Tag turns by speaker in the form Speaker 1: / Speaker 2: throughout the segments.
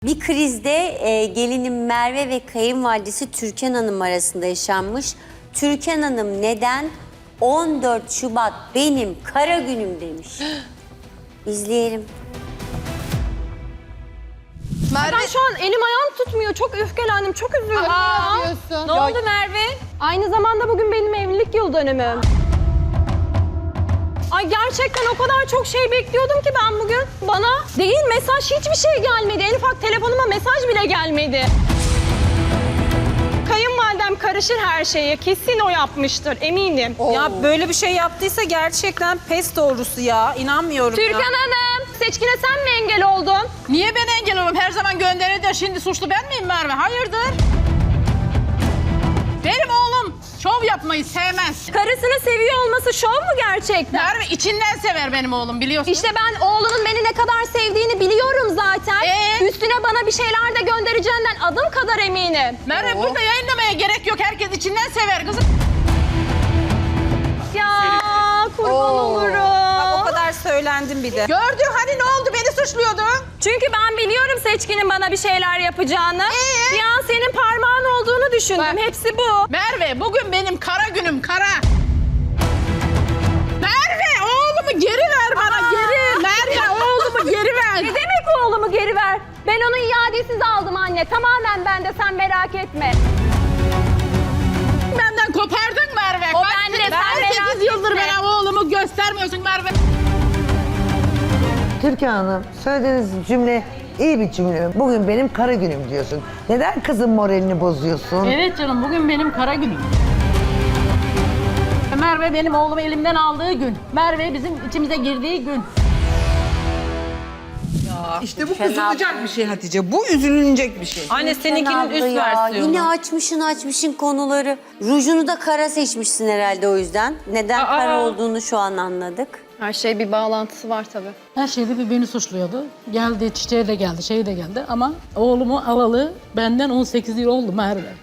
Speaker 1: Bir krizde gelinim Merve ve kayınvalidesi Türkan Hanım arasında yaşanmış. Türkan Hanım neden 14 Şubat benim kara günüm demiş. İzleyelim.
Speaker 2: Merve... Ben şu an elim ayağım tutmuyor. Çok öfkelendim, çok üzüldüm ya.
Speaker 3: Ne oldu Merve?
Speaker 2: Aynı zamanda bugün benim evlilik yıl dönümüm. Ay gerçekten o kadar çok şey bekliyordum ki ben bugün. Bana değil mesaj hiçbir şey gelmedi. En ufak telefonuma mesaj bile gelmedi. Kayınvalidem karışır her şeye. Kesin o yapmıştır eminim.
Speaker 4: Ya böyle bir şey yaptıysa gerçekten pes doğrusu ya. İnanmıyorum
Speaker 2: Türkan
Speaker 4: ya.
Speaker 2: Hanım, Seçkin'e sen mi engel oldun?
Speaker 3: Niye ben engel olurum? Her zaman gönderir de şimdi suçlu ben miyim Merve? Hayırdır? Benim oğlum şov yapmayı sevmez.
Speaker 2: Karısını seviyor olması şov mu gerçekten?
Speaker 3: Merve içinden sever benim oğlum biliyorsun.
Speaker 2: İşte ben oğlunun beni ne kadar sevdiğini biliyorum zaten. Üstüne bana bir şeyler de göndereceğinden adım kadar eminim.
Speaker 3: Merve burada yayınlamaya gerek yok. Herkes içinden sever kızım.
Speaker 2: Ya kurban olurum.
Speaker 4: Bak, o kadar söylendim bir de.
Speaker 3: Gördün hani ne oldu? Beni suçluyordun.
Speaker 2: Çünkü ben biliyorum Seçkin'in bana bir şeyler yapacağını. Bir an senin parmağın olduğunu düşündüm.
Speaker 3: Bak.
Speaker 2: Hepsi bu.
Speaker 3: Merve bugün benim kara günüm kara. Merve oğlumu geri ver bana geri. Merve oğlumu geri ver.
Speaker 2: Ne demek oğlumu geri ver? Ben onu iadesiz aldım anne. Tamamen bende, sen merak etme.
Speaker 3: Benden kopardın Merve.
Speaker 2: O
Speaker 3: Kaç-
Speaker 2: bende, sen merak
Speaker 3: 18 yıldır
Speaker 2: etme.
Speaker 3: bana oğlumu göstermiyorsun Merve.
Speaker 5: Türkan Hanım, söylediğiniz cümle iyi bir cümle. Bugün benim kara günüm diyorsun. Neden kızın moralini bozuyorsun?
Speaker 3: Evet canım bugün benim kara günüm. Merve benim oğlumu elimden aldığı gün. Merve bizim içimize girdiği gün.
Speaker 6: İşte bu kızılacak bir şey Hatice. Bu üzülünecek bir şey.
Speaker 4: Anne seninkinin
Speaker 1: Abla
Speaker 4: üst
Speaker 1: ya,
Speaker 4: versiyonu.
Speaker 1: yine açmışın konuları. Rujunu da kara seçmişsin herhalde o yüzden. Neden kara olduğunu şu an anladık.
Speaker 2: Her şey bir bağlantısı var tabii.
Speaker 7: Her şeyde bir beni suçluyordu. Geldi, çiçeği de geldi, şey de geldi ama oğlumu alalı benden 18 yıl oldu Merve.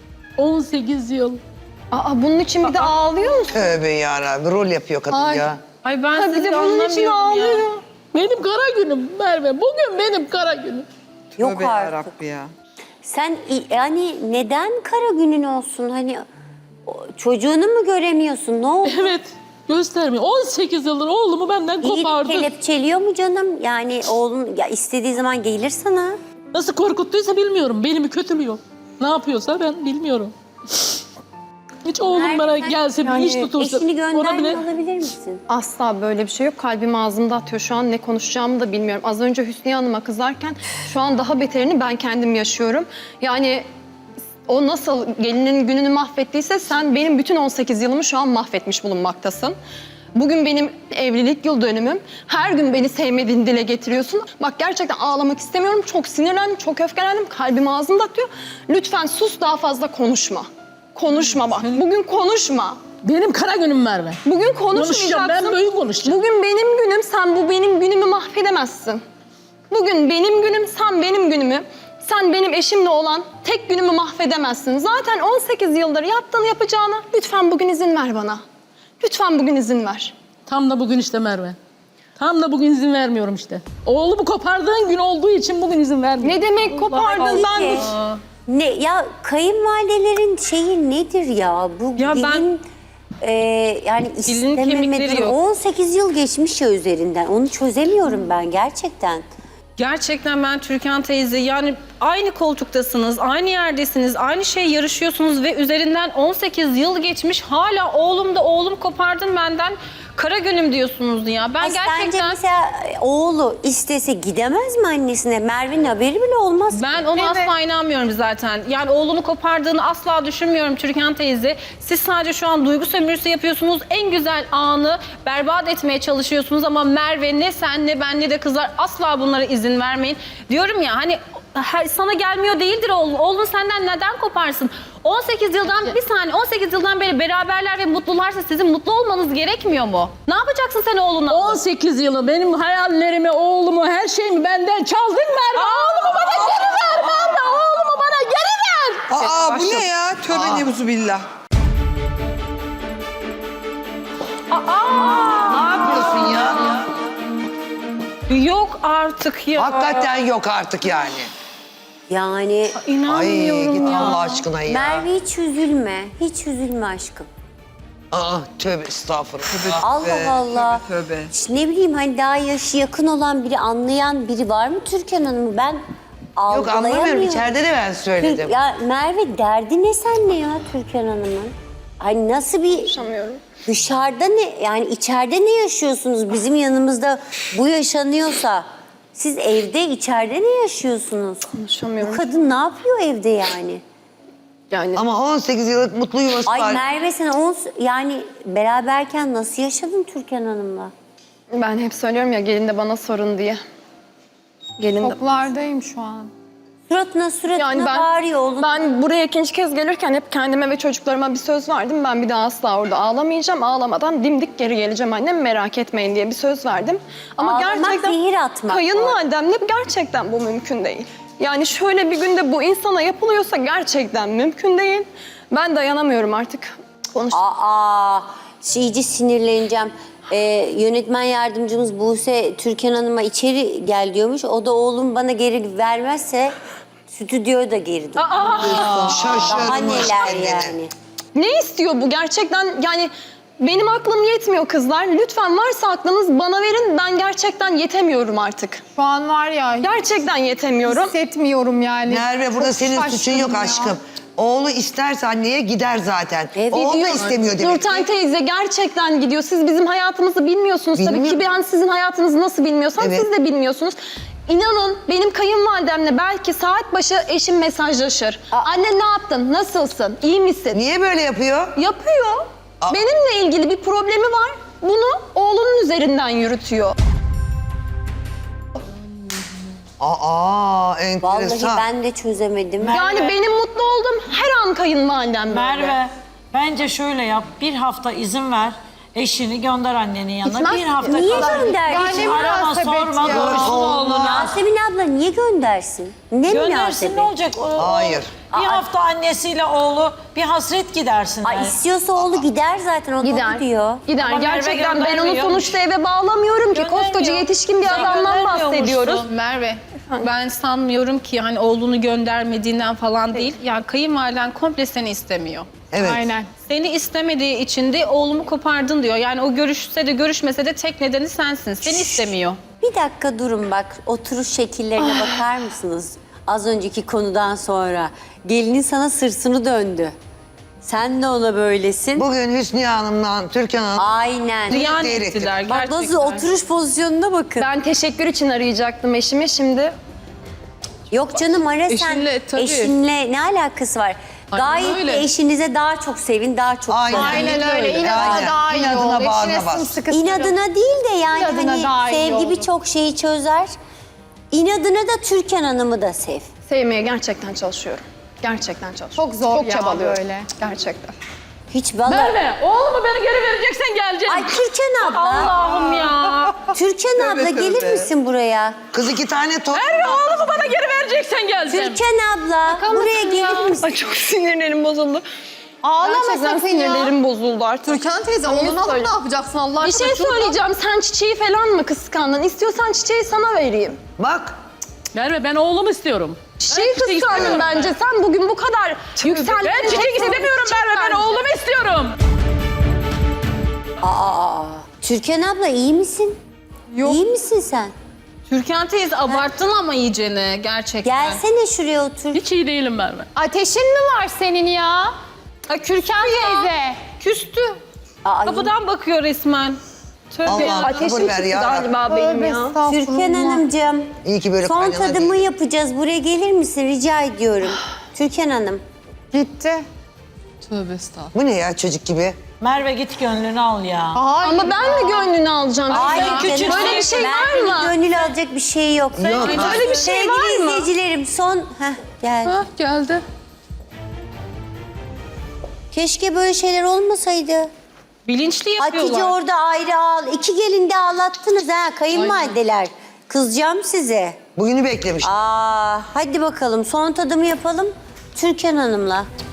Speaker 7: 18 yıl.
Speaker 2: Aa bunun için bir de ağlıyor musun?
Speaker 5: Tövbe yarabbim, rol yapıyor kadın ya.
Speaker 4: Ay ben
Speaker 2: Ha, bir
Speaker 4: sizi
Speaker 2: de bunun için
Speaker 4: anlamıyorum ya.
Speaker 2: ağlıyor.
Speaker 7: Benim kara günüm Merve. Bugün benim kara günüm.
Speaker 1: Yok
Speaker 6: Tövbe
Speaker 1: artık.
Speaker 6: yarabbi ya.
Speaker 1: Sen yani neden kara günün olsun? Hani çocuğunu mu göremiyorsun? Ne oldu?
Speaker 7: Evet, göstermiyor. 18 yıldır oğlumu benden
Speaker 1: İyi
Speaker 7: kopardı.
Speaker 1: kelepçeliyor mu canım? Yani oğlun ya istediği zaman gelir sana.
Speaker 7: Nasıl korkuttuysa bilmiyorum. Belimi kötülüyor. Ne yapıyorsa ben bilmiyorum. Hiç oğlum bana gelse, bir iş tutulsa.
Speaker 1: Eşini
Speaker 7: ona
Speaker 1: gönderme
Speaker 7: bile...
Speaker 1: alabilir misin?
Speaker 2: Asla böyle bir şey yok. Kalbim ağzımda atıyor. Şu an ne konuşacağımı da bilmiyorum. Az önce Hüsniye Hanım'a kızarken şu an daha beterini ben kendim yaşıyorum. Yani o nasıl gelinin gününü mahvettiyse sen benim bütün 18 yılımı şu an mahvetmiş bulunmaktasın. Bugün benim evlilik yıl dönümüm. Her gün beni sevmediğini dile getiriyorsun. Bak gerçekten ağlamak istemiyorum. Çok sinirlendim, çok öfkelendim. Kalbim ağzımda atıyor. Lütfen sus, daha fazla konuşma. Konuşma bak. Bugün konuşma.
Speaker 7: Benim kara günüm Merve.
Speaker 2: Bugün
Speaker 7: Konuşacağım, ben böyle konuşacağım.
Speaker 2: Bugün benim günüm, sen bu benim günümü mahvedemezsin. Bugün benim günüm, sen benim günümü, sen benim eşimle olan tek günümü mahvedemezsin. Zaten 18 yıldır yaptığını yapacağına lütfen bugün izin ver bana. Lütfen bugün izin ver.
Speaker 7: Tam da bugün işte Merve. Tam da bugün izin vermiyorum işte. Oğlumu kopardığın gün olduğu için bugün izin vermiyorum.
Speaker 2: Ne demek kopardın ben?
Speaker 1: Peki, ne ya kayınvalidelerin şeyi nedir ya? Bu
Speaker 4: Ya ben-
Speaker 1: gelin yani
Speaker 4: kemikleri
Speaker 1: istememeden
Speaker 4: yok.
Speaker 1: 18 yıl geçmiş ya üzerinden. Onu çözemiyorum ben gerçekten.
Speaker 4: Gerçekten ben Türkan teyze yani aynı koltuktasınız, aynı yerdesiniz, aynı şey yarışıyorsunuz ve üzerinden 18 yıl geçmiş hala oğlum kopardın benden kara günüm diyorsunuz ya. Ben
Speaker 1: Sence
Speaker 4: gerçekten
Speaker 1: mesela oğlu istese gidemez mi annesine? Merve'nin haberi bile olmaz.
Speaker 4: ben ona asla inanmıyorum zaten. Yani oğlunu kopardığını asla düşünmüyorum Türkan teyze. Siz sadece şu an duygu sömürüsü yapıyorsunuz. En güzel anı berbat etmeye çalışıyorsunuz ama Merve ne sen ne ben ne de kızlar asla bunlara izin vermeyin. Diyorum ya hani sana gelmiyor değildir oğlun. Oğlun senden neden koparsın? 18 yıldan bir saniye 18 yıldan beri beraberler ve mutlularsa sizin mutlu olmanız gerekmiyor mu? Ne yapacaksın sen oğluna?
Speaker 7: 18 yılı benim hayallerimi, oğlumu, her şeyimi benden çaldın Merve. Oğlumu bana geri ver Merve. Oğlumu bana geri ver.
Speaker 6: Aa bu ne ya? Tövbe nebuzubillah.
Speaker 5: Ne yapıyorsun ya?
Speaker 4: Yok artık ya.
Speaker 5: Hakikaten yok artık yani.
Speaker 1: Yani
Speaker 5: Ay
Speaker 4: İnanmıyorum
Speaker 5: git
Speaker 4: ya.
Speaker 5: Allah aşkına ya.
Speaker 1: Merve hiç üzülme. Hiç üzülme aşkım.
Speaker 5: Aa tövbe estağfurullah.
Speaker 1: Allah
Speaker 5: be.
Speaker 1: Allah.
Speaker 6: tövbe.
Speaker 1: İşte ne bileyim hani daha yaşı yakın olan biri, anlayan biri var mı Türkan Hanım'ı? Ben
Speaker 5: Yok
Speaker 1: algılayamıyorum.
Speaker 5: anlamıyorum. İçeride de ben söyledim.
Speaker 1: Ya Merve derdi ne senle ya Türkan Hanım'ın? Hani nasıl bir
Speaker 2: Konuşamıyorum.
Speaker 1: dışarıda ne yani içeride ne yaşıyorsunuz? Bizim yanımızda bu yaşanıyorsa siz evde içeride ne yaşıyorsunuz? Bu
Speaker 2: Konuşamıyorum.
Speaker 1: kadın ne yapıyor evde yani?
Speaker 2: Yani
Speaker 5: Ama 18 yıllık mutlu yuvası
Speaker 1: Ay
Speaker 5: var.
Speaker 1: Merve sen yani beraberken nasıl yaşadın Türkan Hanım'la?
Speaker 2: ben hep söylüyorum ya gelin de bana sorun diye. Gelin de...
Speaker 8: Şoklardayım şu an.
Speaker 1: Suratına
Speaker 2: Yani
Speaker 1: bağırıyor oğlum.
Speaker 2: ben buraya ikinci kez gelirken hep kendime ve çocuklarıma bir söz verdim. Ben bir daha asla orada ağlamayacağım. Ağlamadan dimdik geri geleceğim annem, merak etmeyin diye bir söz verdim. Ama
Speaker 1: Ağlamak,
Speaker 2: gerçekten
Speaker 1: zehir atmak
Speaker 2: kayınvalidemle gerçekten bu mümkün değil. Yani şöyle bir günde bu insana yapılıyorsa gerçekten mümkün değil. Ben dayanamıyorum artık. Konuş.
Speaker 1: İyice sinirleneceğim. Yönetmen yardımcımız Buse Türkan Hanım'a içeri gel diyormuş. O da oğlum bana geri vermezse stüdyoya da geri dön. Daha
Speaker 5: Şaşırmış
Speaker 1: neler
Speaker 5: kendini.
Speaker 1: yani.
Speaker 2: Ne istiyor bu gerçekten? Yani benim aklım yetmiyor kızlar. Lütfen varsa aklınız bana verin. Ben gerçekten yetemiyorum artık.
Speaker 8: Şu an var ya
Speaker 2: Gerçekten yetemiyorum.
Speaker 8: hissetmiyorum yani.
Speaker 5: Merve burada
Speaker 8: Çok
Speaker 5: senin suçun
Speaker 8: şaşkınım
Speaker 5: yok
Speaker 8: ya.
Speaker 5: aşkım. Oğlu isterse anneye gider zaten.
Speaker 1: Evet.
Speaker 5: Oğlu da
Speaker 2: Gidiyor.
Speaker 5: istemiyor demek
Speaker 2: Nurten
Speaker 5: ki.
Speaker 2: teyze gerçekten gidiyor. Siz bizim hayatımızı bilmiyorsunuz tabii ki.
Speaker 5: Bilmiyorum.
Speaker 2: Ben sizin hayatınızı nasıl bilmiyorsam
Speaker 5: Evet.
Speaker 2: siz de bilmiyorsunuz. İnanın benim kayınvalidemle belki saat başı eşim mesajlaşır. Anne ne yaptın? Nasılsın? İyi misin?
Speaker 5: Niye böyle yapıyor?
Speaker 2: Yapıyor. Benimle ilgili bir problemi var. Bunu oğlunun üzerinden yürütüyor.
Speaker 5: Aa enteresan.
Speaker 1: Vallahi ben de çözemedim.
Speaker 2: Yani benim mutlu olduğum her an kayınvalidem böyle.
Speaker 9: Merve, bence şöyle yap. Bir hafta izin ver. Eşini gönder annenin yanına.
Speaker 2: Gitmez.
Speaker 9: Bir hafta
Speaker 1: Niye
Speaker 9: kal.
Speaker 1: gönderdi?
Speaker 8: Yani ne
Speaker 9: Arama,
Speaker 8: münasebet
Speaker 9: sorma,
Speaker 8: ya.
Speaker 9: görüşsün oğlunu.
Speaker 1: Yasemin abla niye göndersin? Ne
Speaker 9: Göndersin
Speaker 1: münasebet?
Speaker 9: ne olacak?
Speaker 5: Hayır.
Speaker 9: Bir hafta annesiyle oğlu bir hasret gidersinler.
Speaker 1: Ay istiyorsa oğlu gider zaten o
Speaker 2: Gider.
Speaker 1: da diyor.
Speaker 2: Gider.
Speaker 9: Ama Merve
Speaker 2: Gerçekten ben onu
Speaker 9: göndermiyor.
Speaker 2: sonuçta eve bağlamıyorum ki.
Speaker 9: Göndermiyor.
Speaker 2: Koskoca yetişkin bir
Speaker 9: Sen
Speaker 2: adamdan
Speaker 9: göndermiyormuşsun.
Speaker 2: bahsediyoruz.
Speaker 4: Merve, ben sanmıyorum ki hani oğlunu göndermediğinden falan değil. Yani kayınvaliden komple seni istemiyor.
Speaker 5: Evet.
Speaker 8: Aynen.
Speaker 4: Seni istemediği için de oğlumu kopardın diyor. Yani o görüşse de görüşmese de tek nedeni sensin. Seni istemiyor.
Speaker 1: Bir dakika durun bak oturuş şekillerine bakar mısınız? Az önceki konudan sonra gelinin sana sırsını döndü. Sen de ona böylesin.
Speaker 5: Bugün Hüsniye Hanım'la Türkan Hanım
Speaker 1: Aynen.
Speaker 4: Ziyan
Speaker 5: Seyrettim.
Speaker 4: ettiler
Speaker 1: Bak
Speaker 4: gerçekten.
Speaker 1: nasıl oturuş pozisyonuna bakın.
Speaker 2: Ben teşekkür için arayacaktım eşimi şimdi.
Speaker 1: Yok canım ara sen.
Speaker 3: Eşinle, tabii.
Speaker 1: Eşinle ne alakası var? Gayet
Speaker 3: öyle.
Speaker 1: de eşinize daha çok sevin, daha çok
Speaker 5: Aynen.
Speaker 1: sevin.
Speaker 8: Aynen öyle. İnadına
Speaker 5: Aynen.
Speaker 8: daha iyi
Speaker 5: İnadına
Speaker 8: oldu.
Speaker 5: bağrına
Speaker 8: İçine
Speaker 5: bas.
Speaker 8: sımsıkı sarıl.
Speaker 1: İnadına değil de yani
Speaker 8: İnadına daha
Speaker 1: hani
Speaker 8: iyi
Speaker 1: sevgi
Speaker 8: oldu.
Speaker 1: birçok şeyi çözer. İnadına da Türkan Hanım'ı da sev.
Speaker 2: Sevmeye gerçekten çalışıyorum. Gerçekten çalışıyorum.
Speaker 8: Çok zor
Speaker 2: Çok
Speaker 8: ya
Speaker 2: çabalıyorum.
Speaker 8: böyle.
Speaker 2: Gerçekten.
Speaker 1: Hiç bana...
Speaker 3: Merve, oğlumu beni geri vereceksen geleceksin.
Speaker 1: Ay Türkan abla,
Speaker 4: Allah'ım ya.
Speaker 1: Türkan abla gelir misin buraya?
Speaker 5: kız 2 tane top.
Speaker 3: Merve, oğlumu bana geri vereceksen geleceksin.
Speaker 1: Türkan abla, buraya gelir misin?
Speaker 2: Ay çok sinirlerim bozuldu.
Speaker 8: Ağlama
Speaker 2: Gerçekten
Speaker 8: sakın ya.
Speaker 2: sinirlerim bozuldu artık.
Speaker 8: Türkan teyze oğlunu alıp ne yapacaksın Allah
Speaker 2: Bir
Speaker 8: aşkına?
Speaker 2: şey
Speaker 8: Şurada-
Speaker 2: söyleyeceğim. Sen çiçeği falan mı kıskandın? İstiyorsan çiçeği sana vereyim.
Speaker 5: Bak
Speaker 3: Merve, ben oğlumu istiyorum.
Speaker 2: Çiçeği
Speaker 3: Ben çiçek
Speaker 2: kıskandın
Speaker 3: istiyorum
Speaker 2: bence. Sen bugün bu kadar yükseldin.
Speaker 3: Ben çiçek istemiyorum Merve, ben oğlumu istiyorum.
Speaker 1: Türkan abla iyi misin?
Speaker 8: Yok.
Speaker 1: İyi misin sen?
Speaker 4: Türkan teyze abarttın ama iyicene gerçekten.
Speaker 1: Gelsene şuraya otur.
Speaker 3: Hiç iyi değilim Merve.
Speaker 8: Ateşin mi var senin ya? Türkan teyze.
Speaker 4: Küstü.
Speaker 1: Aa,
Speaker 4: Kapıdan bakıyor resmen. Tövbe
Speaker 5: Allah'ım
Speaker 4: ya.
Speaker 5: sabır ver ya.
Speaker 2: Galiba benim
Speaker 8: Tövbe
Speaker 2: ya.
Speaker 8: estağfurullah.
Speaker 1: Türkan Hanımcığım,
Speaker 5: İyi ki böyle
Speaker 1: son
Speaker 5: kaynana
Speaker 1: tadımı
Speaker 5: değil.
Speaker 1: yapacağız. Buraya gelir misin rica ediyorum. Türkan Hanım.
Speaker 8: Gitti.
Speaker 5: Bu ne ya çocuk gibi?
Speaker 9: Merve git gönlünü al ya.
Speaker 8: Hayır.
Speaker 2: Ama ben mi gönlünü alacağım?
Speaker 1: Hayır
Speaker 2: Ya?
Speaker 1: canım.
Speaker 2: Böyle bir şey var
Speaker 1: Merve'nin
Speaker 2: mı?
Speaker 1: gönül alacak bir şey yok.
Speaker 5: Yok.
Speaker 2: Böyle bir şey var
Speaker 1: Sevgili
Speaker 2: mı?
Speaker 1: izleyicilerim son... Gel.
Speaker 3: Geldi.
Speaker 1: Keşke böyle şeyler olmasaydı.
Speaker 4: Bilinçli yapıyorlar.
Speaker 1: Hatice orada ayrı ağl. 2 gelin de ağlattınız ha kayınvalideler. Kızacağım size.
Speaker 5: Bugünü beklemiş.
Speaker 1: Hadi bakalım son tadımı yapalım Türkan Hanım'la.